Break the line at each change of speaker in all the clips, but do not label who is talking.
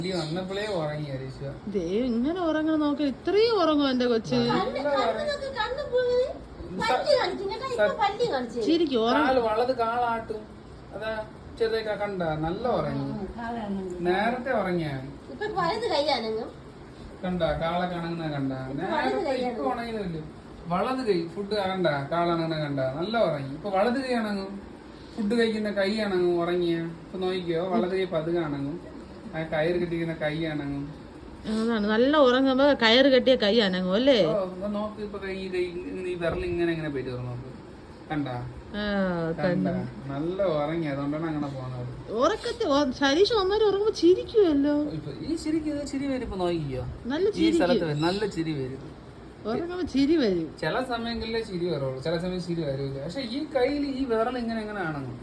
വന്നപ്പോഴേ ഉറങ്ങി ഹരീഷ്.
ഇങ്ങനെ ഉറങ്ങണം നോക്ക, ഇത്രയും ഉറങ്ങും എന്റെ കൊച്ച്. ശരിക്കും
വളത് കാളാട്ടും. അതാ ചെറുതൊക്കെ കണ്ട നല്ല ഉറങ്ങി. നേരത്തെ ഉറങ്ങിയ കണ്ട കാള കണങ്ങുന്ന കണ്ട. നേരത്തെ ഇപ്പൊ ഉണങ്ങുന്നില്ല. വളത് കൈ ഫുഡ് കണ്ട കാളണങ്ങുന്ന കണ്ട നല്ല ഉറങ്ങി. ഇപ്പൊ വളത് കൈ അണങ്ങും. ഫുഡ് കഴിക്കുന്ന കൈ അണങ്ങും ഉറങ്ങിയ. ഇപ്പൊ നോക്കിയോ വളത് കൈ പതുക അണങ്ങും. ആ കയറ് കെട്ടിക്കുന്ന കൈ അണങ്ങും.
അതാണ് നല്ല ഉറങ്ങുമ്പോ കയറ് കെട്ടിയ കൈ അനങ്ങും അല്ലേ.
നോക്ക് ഇപ്പൊ കൈ ഈ വിരൽ ഇങ്ങനെ ഇങ്ങനെ പോയിട്ട് നോക്ക് കണ്ട നല്ല ഉറങ്ങി. അതുകൊണ്ടാണ് അങ്ങനെ പോകുന്നത്.
ഉറക്കത്തെ ശരീഷം വന്നാലും ഉറങ്ങുമ്പോ ചിരിക്കുമല്ലോ.
ഈ ചിരി വരും. ഇപ്പൊ നോക്കിയോ
നല്ല
ഈ സ്ഥലത്ത് വരും. നല്ല ചിരി വരും.
ഉറങ്ങുമ്പോ ചിരി വരും.
ചില സമയങ്ങളിലേ ചിരി വരുള്ളൂ, ചില സമയം ചിരി വരൂല. പക്ഷെ ഈ കയ്യിൽ ഈ വിരൽ ഇങ്ങനെ എങ്ങനെ ആണെന്ന്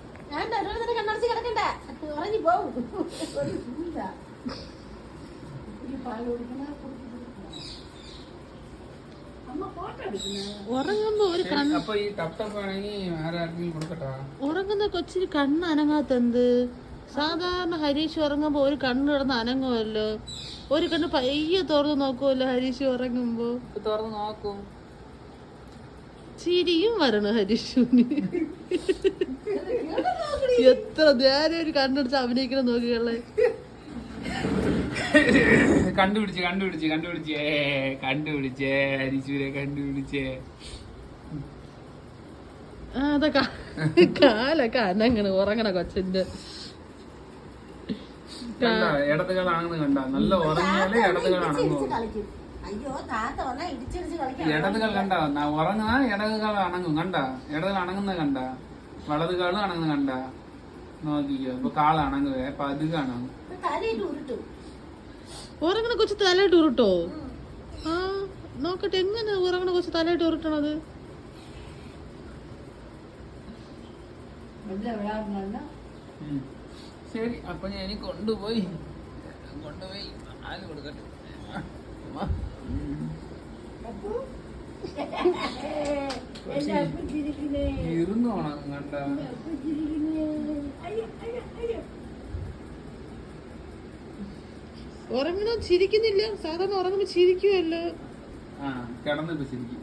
ഉറങ്ങുമ്പോ ഒരു
അപ്പൊ ഈ ടപ്പ് ആണെങ്കിൽ ആരാർക്കും കൊടുക്കട്ടാ.
ഉറങ്ങുന്ന കൊച്ചിന് കണ്ണ് അനങ്ങാത്തെന്ത്? സാധാരണ ഹരീഷ് ഉറങ്ങുമ്പോ ഒരു കണ്ണ് കിടന്ന് അനങ്ങുമല്ലോ. ഒരു കണ്ണ് പയ്യെ തുറന്ന് നോക്കുമല്ലോ ഹരീഷ് ഉറങ്ങുമ്പോ.
തുറന്ന് നോക്കും.
ചിരിയും വരണം ഹരീഷിന്. എത്ര നേരം ഒരു കണ്ണടിച്ച് അഭിനയിക്കണം നോക്കികളെ.
കണ്ടുപിടിച്ചേ ഹരീശൂരെ കണ്ടുപിടിച്ചേ.
അതാ കാലൊക്കെ അനങ്ങണ് ഉറങ്ങണ കൊച്ചിന്റെ.
ഇടതുകളാണെന്ന് കണ്ട നല്ല ഉറങ്ങിയാലേ ഇടതുകളാണെന്നോ. ഇടതുകൾ കണ്ട ഉറങ്ങുന്ന ഇടതുകൾ അണങ്ങും കണ്ട. ഇടതുകൾ അണങ്ങുന്ന കണ്ട. വലതുകളും അണങ്ങുന്ന കണ്ട. നോക്കിക്കോ ഇപ്പൊ കാള അണങ്ങുവേ പതുക അണങ്ങും.
ഉറങ്ങണ കൊച്ചു തലയിട്ട് ഉരുട്ടോ? ആ നോക്കട്ടെ എങ്ങനെ ഉറങ്ങണ കൊച്ചു തലയിട്ട് ഉരുട്ടണത്.
ശരി അപ്പൊ ഞാൻ കൊണ്ടുപോയി ആല് കൊടുക്കട്ടെ. ഇരുന്നോണം കണ്ട.
ഉറങ്ങണ ചിരിക്കുന്നില്ല. സാധാരണ ഉറങ്ങുമ്പോ ചിരിക്കുമല്ലോ.
കിടന്നിപ്പോ ചിരിക്കും.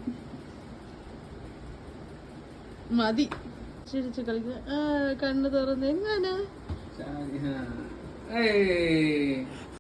മതി ചിരിച്ച് കളിക്കുക. കണ്ണു തുറന്ന് എങ്ങനെ